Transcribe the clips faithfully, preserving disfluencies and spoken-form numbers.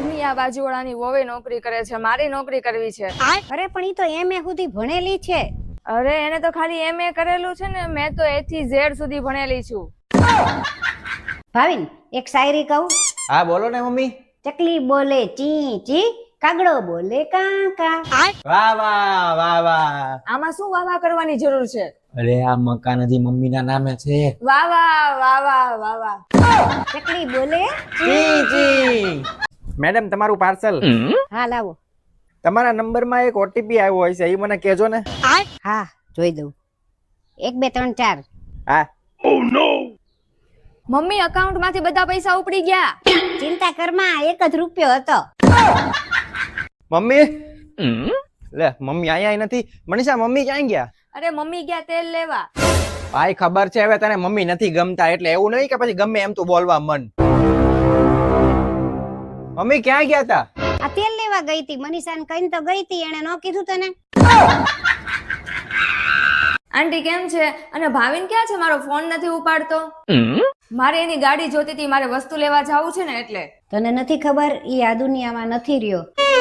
Mummy આ બાજુવાળાની વોવે નોકરી કરે છે, મારી નોકરી કરવી છે. અરે પણ ઈ તો એમએ સુધી ભણેલી છે. અરે એને તો ખાલી એમએ કરેલું છે ને, મેં તો એ થી ઝેડ સુધી ભણેલી છું. ભાવિન એક શાયરી કહું? હા બોલો ને મમ્મી. ચકલી બોલે ચી ચી, કાગડો બોલે કા કા. વાહ વાહ વાહ વાહ. આમાં શું વાવા કરવાની જરૂર છે? અરે આ મકાન હજી મમ્મી ના નામે છે. વાહ વાહ વાહ વાહ વાહ વાહ. ચકલી બોલે જી જી. મેડમ તમારું પાર્સલ. હા લાવો. તમારા નંબર માં એક ઓટીપી આવ્યો હોય છે, એ મને કહેજો ને. હા જોઈ દઉં. એક બે ત્રણ ચાર. હા. ઓ નો. મમ્મી અકાઉન્ટ માંથી બધા પૈસા ઉપડી ગયા. ચિંતા કરમાં, એક જ રૂપિયો હતો. મમ્મી લે મમ્મી આયા નથી. મનીષા મમ્મી ક્યાં ગયા? અરે મમ્મી ગયા તેલ લેવા. ભાઈ ખબર છે હવે તને મમ્મી નથી ગમતા, એટલે એવું નહીં કે પછી ગમે એમ તું બોલવા મન. મમ્મી ક્યાં ગયા તા? આ તેલ લેવા ગઈ હતી. મનીષાને કહીને તો ગઈ હતી, એને ન કીધું તને? આંટી કેમ છે? અને ભાવિન ક્યાં છે? મારો ફોન નથી ઉપાડતો. મારે એની ગાડી જોતી હતી, મારે વસ્તુ લેવા જવું છે ને એટલે. તને નથી ખબર, ઈ આ દુનિયામાં નથી રહ્યો.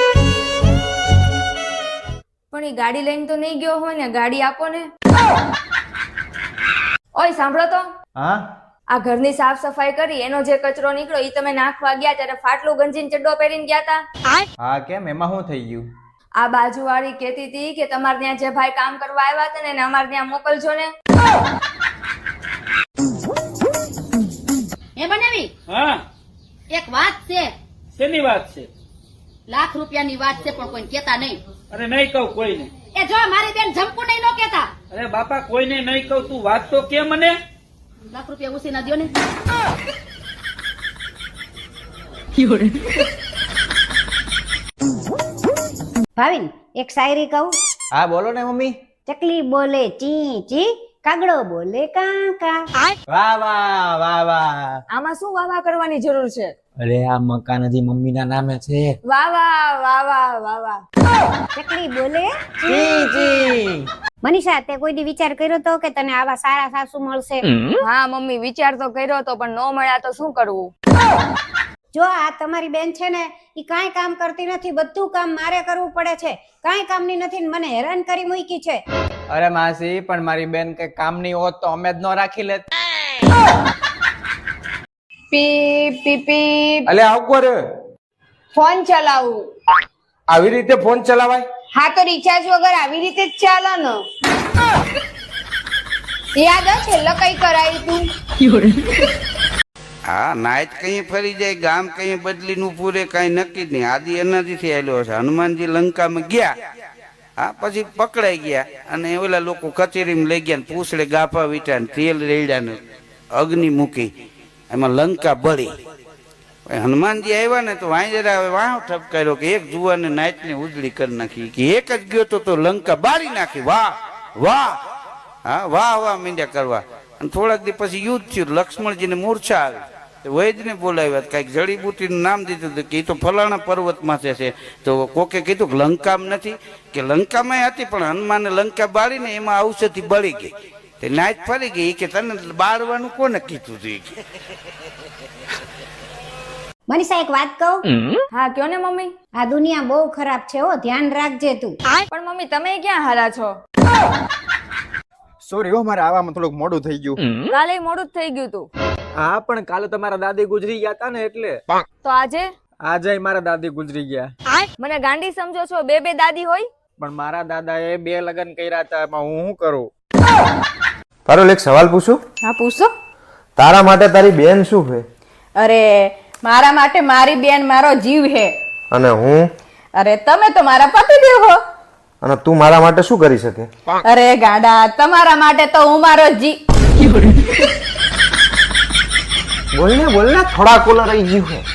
પણ એ ગાડી લઈને તો નહીં ગયો હોય ને, ગાડી આપો ને. ઓય સાંભળો તો. હા. આ ઘરની સાફ સફાઈ કરી, એનો જે કચરો નીકળ્યો ઈ તમે નાખવા ગયા ત્યારે ફાટલું ગંજીન ચડ્ડો પહેરીને ગયા તા. હા કેમ, એમાં શું થઈ ગયું? આ બાજુવાળી કહેતી હતી કે તમારે ત્યાં જે ભાઈ કામ કરવા આવ્યા હતા ને એને અમારે ત્યાં મોકલજો ને. એ બનાવી હા એક વાત છે. શેની વાત છે? લાખ રૂપિયાની વાત છે, પણ કોઈ કેતા નહીં. અરે નહીં કહું કોઈને. એ જો મારી બેન જમકુ નહીં નો કેતા. અરે બાપા કોઈને નહીં કહું, તું વાત તો કે મને. લાખ રૂપિયા ઉસી ના દ્યો ને. ભાવિન એક શાયરી કહું? હા બોલો ને મમ્મી. ચકલી બોલે ચી ચી, કાગડો બોલે કા કા. વાહ વાહ વાહ વાહ. આમાં શું વાવા કરવાની જરૂર છે? અરે આ મકાન હજી મમ્મી ના નામે છે. વાહ વાહ વાહ વાહ વાહ વાહ. ચકલી બોલે જી જી. મનીષા, તે કોઈ દી વિચાર કર્યો તો કે તને આવા સારા સાસુ મળશે? હા મમ્મી વિચાર તો કર્યો તો, પણ ન મળ્યા તો શું કરવું? જો આ તમારી બેન છે ને, ઈ કાંઈ કામ કરતી નથી, બધું કામ મારે કરવું પડે છે. કાંઈ કામની નથી ને મને હેરાન કરી મૂકી છે. અરે માસી, પણ મારી બેન કઈ કામની હોત તો અમે જ ન રાખી લેત. પીપ પીપ પીપ. અલે આવ કોરે ફોન ચલાવું. આવી રીતે ફોન ચલાવાય? હા તો રિચાર્જ વગર આવી રીતે જ ચાલે ને. યાદ છે છેલ્લે કઈ કરાયું તું? હા નાચ કઈ ફરી જાય, ગામ કઈ બદલી નું પૂરે કઈ નક્કી જ નહીં. આદિ એનાથી આવેલો છે. હનુમાનજી લંકામાં ગયા, હા પછી પકડાઈ ગયા, અને ઓલા લોકો કચેરીમાં લઈ ગયા, પૂછડે ગાફા વીટા તેલ રેડ્યા ને અગ્નિ મૂકી, એમાં લંકા બળી. હનુમાનજી આવ્યા ને તો વાંજરા વાહ ઠપકાર્યો કે એક જુવાને નાચ ને ઉજળી કરી નાખી, કે એક જ ગયો તો તો લંકા બાળી નાખી. વાહ વાહ. હા વાહ વાહ મીંડ્યા કરવા. અને થોડાક દિવસ પછી યુદ્ધ થયું, લક્ષ્મણજીને મૂર્છા આવી. વૈદને બોલાવ્યા, કઈક જડીબુટીનું નામ દીધું હતું કે એ તો ફલાણા પર્વતમાં છે. તો કોકે કીધું કે લંકામાં નથી, કે લંકામાં હતી પણ હનુમાને લંકા બાળીને એમાં ઔષધિ બળી ગઈ, તે નાચ ફરી ગઈ. કે તને બાળવાનું કોને કીધું હતું? મનીષા એક વાત કહું? હા કયો ને મમ્મી. આ દુનિયા બહુ ખરાબ છે હો, ધ્યાન રાખજે તું. પણ મમ્મી તમે ક્યાં હારા છો? સોરી હો, મારે આવામાં થોડુંક મોડું થઈ ગયું. કાલે મોડું જ થઈ ગયું તું. હા પણ કાલે તમારા દાદી ગુજરી ગયા હતા ને, એટલે. તો આજે? આજે મારા દાદી ગુજરી ગયા. મને ગાંડી સમજો છો? બે બે દાદી હોય? પણ મારા દાદા એ બે લગ્ન કર્યા હતા, એમાં હું શું કરું? તારો એક સવાલ પૂછું? હા પૂછો. તારા માટે તારી બેન શું છે? અરે મારા માટે મારી બેન મારો જીવ હે. અને હું? અરે તમે તો મારા પતિદેવ હો. અને તું મારા માટે શું કરી શકે? અરે ગાડા, તમારા માટે તો હું મારો જી. બોલને બોલને, થોડા કોલર રહી ગયું છે.